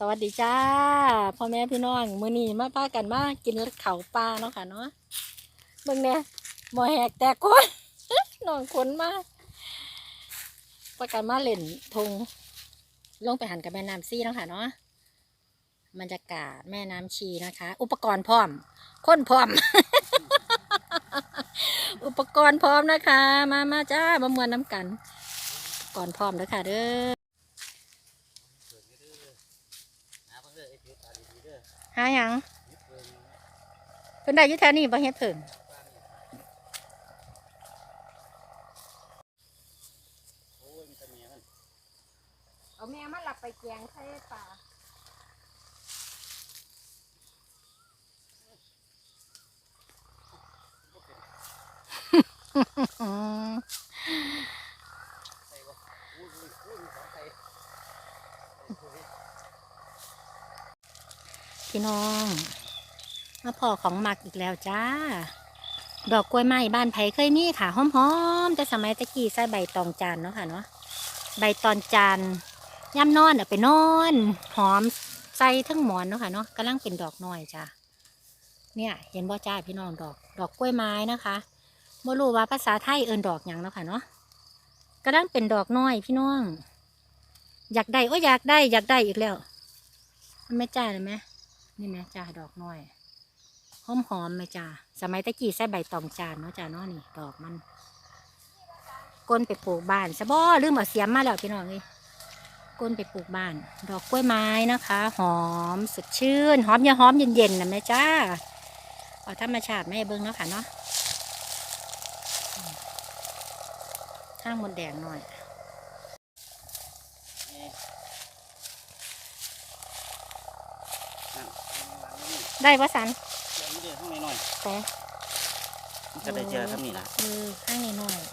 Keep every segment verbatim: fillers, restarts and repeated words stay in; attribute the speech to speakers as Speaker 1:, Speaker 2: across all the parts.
Speaker 1: วัสดีจ้าพ่อแม่พี่น้องมื้อนี้มาพากันมากินข้าวปลาเนาะค่ะเนาะเบิ่งเนี่ยหมอแหกแตกคน น้องคนมาประกันมาเล่นทงลงไปหันกับแม่น้ำซี่เนาะค่ะเนาะบรรยากาศแม่น้ำชีนะคะ อุปกรณ์พร้อมคนพร้อม อุปกรณ์พร้อมนะคะ มามาจ้ามามวนน้ำกันก่อนพร้อมแล้วค่ะเด้อหาหยังเพิ่นได้อยู่แถวนี้บ่เฮ็ดเพิ่งเอาแม่มาหลับไปแกงใส่ปลาพี่น้องมาพอของหมักอีกแล้วจ้าดอกกล้วยไม้บ้านไผเคยมีค่ะหอมๆแต่สมัยตะกี้ใส่ใบตองจานเนาะค่ะเนาะใบตองจานย่ำนอนเอาไปนอนหอมใส่ทั้งหมอนเนาะค่ะเนาะกำลังเป็นดอกน้อยจ้าเนี่ยเห็นบ่จ้าพี่น้องดอกดอกกล้วยไม้นะคะบ่รู้ว่าภาษาไทยเอิ้นดอกหยังเนาะค่ะเนาะกำลังเป็นดอกน้อยพี่น้องอยากได้โอ้อยากได้อยากได้อีกแล้วมันไม่จ้าเลยไหมนี่ไหมจ้าดอกน้อยหอมหอมไหมจ้าสมัยตะกี้ใส่ใบตองจานเนาะจ้าเนาะนี่ดอกมันก้นไปปลูกบ้านซะบ่ลืมเอาเสียมมาแล้วพี่น้องเลยก้นไปปลูกบ้านดอกกล้วยไม้นะคะหอมสดชื่นหอมอย่าหอมเย็นๆนะแม่จ้าเอาธรรมชาติไม่เบิ้งเนาะค่ะเนาะข้างมดแดงหน่อยได้ปะสันแต่
Speaker 2: ก็ได้เจอครับนี่นะ
Speaker 1: เออข้างนี้หน่อย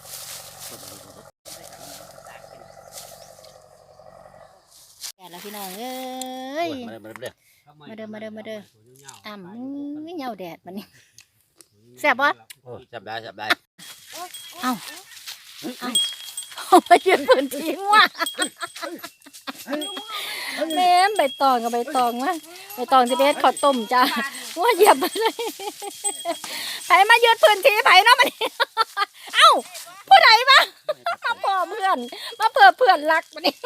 Speaker 1: แก่แล้วพี่น้องเอ้ยมาเด้อมาเด้อมาเด้อมาเด้ออ่ำมึงเหงาแดดมันนี่แซ่บปะ
Speaker 2: จับได้จับได้
Speaker 1: เอ้าเอ้าเอาไปยืนพื้นที่ว่ะแม่ใบตองกับใบตองมาใบตองที่เป็นข้าวต้มจ้าว่าเหยียบไปเลยไผมายืนพื้นที่ไผเนาะมันเอ้าผู้ใดมามาพอเพื่อนมาเพื่อเพื่อนรักมันนี่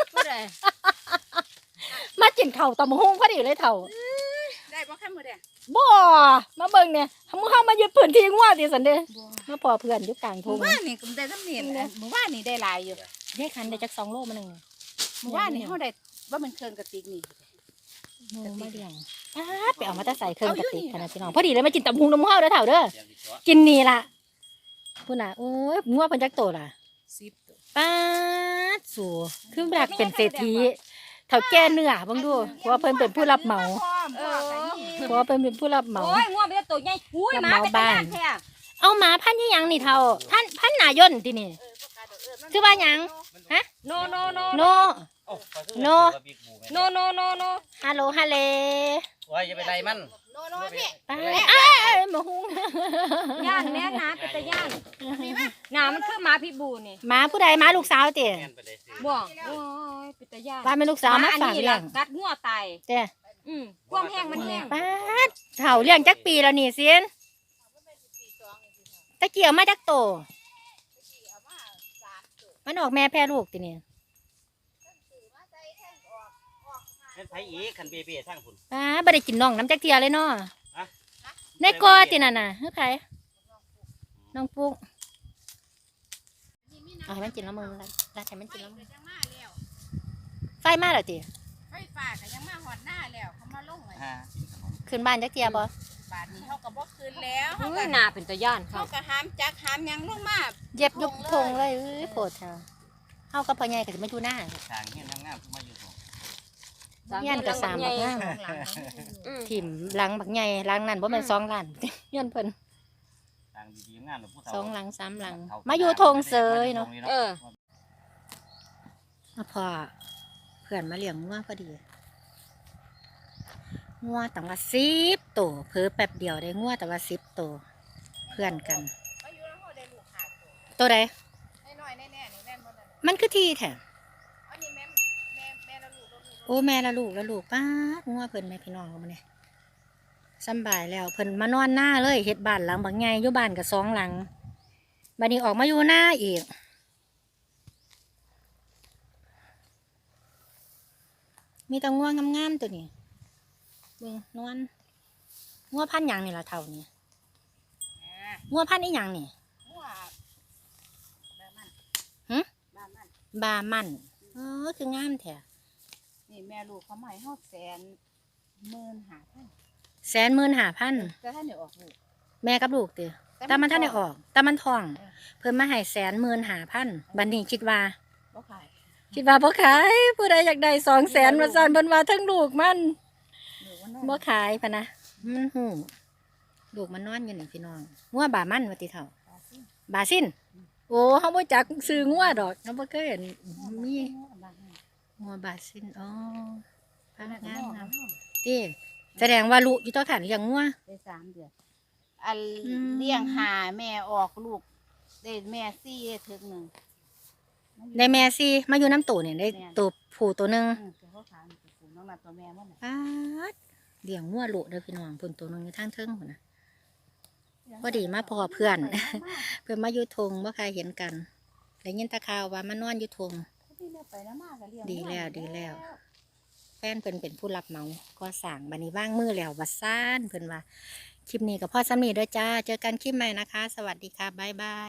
Speaker 1: มากินเข่าตำหงพอดีเลยเถ่า
Speaker 3: ได้บ่คันมื้อเด้
Speaker 1: บ่มาเบิ่งเนี่ยมึงเข้ามายืนพื้นที่งัวดิสันเด้มาพอเพื่อนอยู่กลางทุ่ง
Speaker 3: หมู่บ้านนี่ก็ได้ทำนี่หมู่บ้านนี่ได้หลายอยู่
Speaker 1: ได้คันได้จักสองโลมาหนึ่ง
Speaker 3: หมู่บ้านนี่เฮาได้ว่ามันเครื่องกระติกนี่
Speaker 1: โมมาเลี้ยงไปเอามาตะใส่เครื่องกระติกขนาดพี่น้องพอดีเลยมากินตำหุงน้ำข้าวเด้อเถ่าเด้อกินนี่ล่ะพูดน่ะโอ้ยงัวเพิ่นจักโตล่ะ
Speaker 3: สิบตัว
Speaker 1: ป้าดสู่คือแบบเป็นเศรษฐีเถ่าแก่เนื้อบังดูเพราะว่าเพิ่นเป็นผู้รับเหมาเพราะว่าเพิ่นเป็นผู้รับเหมา
Speaker 3: โอ้ยงัวเป็นตัวใหญ่อุ้ยหมาเป็นบ้าน
Speaker 1: เอาหมาพันธุ์ยังนี่เท่าท่านพันนายนที่นี่คือว่ายังฮะ
Speaker 3: โนโนโน
Speaker 1: โนโน
Speaker 3: โนโนโนโน
Speaker 1: ฮัลโหลฮัลเล
Speaker 2: โอ้ยจะไปไรมัน
Speaker 3: โนโนพี่
Speaker 1: ไปอ้าวมาหุง
Speaker 3: ย่านแม่น้าเป็นตะย่านน้ามันคือหมาพิบูนี่
Speaker 1: หมาผู้ใดหมาลูกสาวเตี๋ย
Speaker 3: บ่โอ้ยเป็นตะย่าน
Speaker 1: ว่าเป็นลูกสาวมาฝากเลี้ยง
Speaker 3: กัดงัวตาย
Speaker 1: เตี๋ย
Speaker 3: อืมความแห้งมันแห้ง
Speaker 1: ป้าเถ่าเลี้ยงจักปีแล้วนี่เซียนตะเกียวมาจักโตมันออกแม่แพร่ลูกติเนี่ย
Speaker 2: เป็นไผอีขันเบเบ้ทั้งคุณ
Speaker 1: ป้าบ่ได้กินน่องน้ำจักเทียเลยเนาะในกอติน่ะน่ะเฮ้ยไผน้องปุ๊กเอาให้มันกินแล้วมึงละละให้มันกินแล้วมึงไฟมาแล้วติ
Speaker 3: ไฟฟ้าก็ยังมาหอดหน้าแล้วเขามาลงเลย
Speaker 1: ขึ้นบ้านจักเทียบ่
Speaker 3: บาดนี้เขาก็บ่คืนแล้ว
Speaker 1: เขาก็หน้าเป็นตะย่าน
Speaker 3: เขาก็หามจักหามยังลงมา
Speaker 1: เย็บยุบทงเลยเอ้ยโผล่เธอเขาก็พ่อใหญ่ก็จะไม่ดูหน้า
Speaker 2: ทางเงี้ยงามๆมาอยู่ตรง
Speaker 1: เงี้ยกับสามบักงามถิ่มหลังบักใหญ่หลังนั่นบ่แม่นสองหลังเงี้ยเพิ่นสองหลังสามหลังมาอยู่ทงเสยเนาะเออมาพอเพื่อนมาเลี้ยงงัวพอดีงัวตั้งว่าสิบตัวเพิ่อแป๊บเดียวได้งัวแต่ว่าสิบตัวเพื่อนกันตัวใดมันคือที่แท้โอ้แม่ละลูกละลูกป้าดงัวเพิ่นแม่พี่น้องมาเนี่ยสำบายแล้วเพิ่นมานอนหน้าเลยเฮ็ดบ้านหลังบางไงอยู่บ้านกับสองหลังบัดนี้ออกมาอยู่หน้าอีกมีแต่งัวงามๆตัวนี้เบิ่งนวลงัวพันธุ์หยังนี่ล่ะเท่านี้งัวพันธุ์อีหยังนี่
Speaker 3: หัวบ้ามัน
Speaker 1: หึ
Speaker 3: บ้ามัน
Speaker 1: บามันเออคืองามแท้
Speaker 3: นี่แม่ลูกเขาใหม่ฮอดแสนหมื่นหาพัน
Speaker 1: แสนหมื่นห้าพัน
Speaker 3: แต่ถ้าเดี๋ยวออกลูก
Speaker 1: แม่กับลูกเด้อแต่มันท่านได้ออกแต่มันทอง เพิ่นมาให้แสนหมื่นห้าพันบัดนี้คิดว่า
Speaker 3: บ่ขาย
Speaker 1: คิดว่าบ่ขายผู้ใดอยากได้สองแสนว่าซั่นเพิ่นว่าทั้งลูกมัน
Speaker 3: หรือว่านั่น
Speaker 1: บ่ขายพะนะมันหูลูกมันนอนอยู่นี่พี่น้องงัวบามันว่าติเฒ่า
Speaker 3: ปลาซิ่ง
Speaker 1: บาซินโอ้เฮาบ่จักซื้องัวดอกเฮาบ่เคยเห็นมี
Speaker 3: หัวบ้านนี่
Speaker 1: งัวบาซินอ๋อพา
Speaker 3: อันนั้น
Speaker 1: งา
Speaker 3: ก็
Speaker 1: ม
Speaker 3: หัว
Speaker 1: งาม
Speaker 3: หัว
Speaker 1: ติแสดงว่าลูกอยู่ต่อฐานเลี้ยงงัว
Speaker 3: ได้สามเดือนอัน
Speaker 1: อืม
Speaker 3: เลี้ยงหาแม่ออกลูกได้แม่ซี่ได้ถึงหนึ่ง
Speaker 1: ได้แม่ซี่มาอยู่น้ำตูเนี่ยได้ตัวผู้ตัวหนึง
Speaker 3: อืมตัวเขาขายมันสูงน้องนัดตัวแม่มันน่ะ
Speaker 1: ปาดเลี้ยงงัวลูกเด้อพี่น้องเพิ่นตัวหนึงอยู่ทางเทิงพุ่นน่ะ พอดีมาพอเพื่อน เพิ่นมาอยู่ทงบ่ใครเห็นกันได้ยินแตะข่าวว่ามานอนอยู่ทง
Speaker 3: พี่แม่ไปแล้วมากก็เลี้ยง
Speaker 1: ดีแล้วดีแล้ว แฟนเพิ่นเป็นผู้รับเหมาก็สั่งบัดนี้ว่างมือแล้ววัดซ่านเพิ่นว่าคลิปนี้กับพ่อสำนีด้วยจ้า เจอกันคลิปใหม่นะคะ สวัสดีค่ะ บ๊ายบาย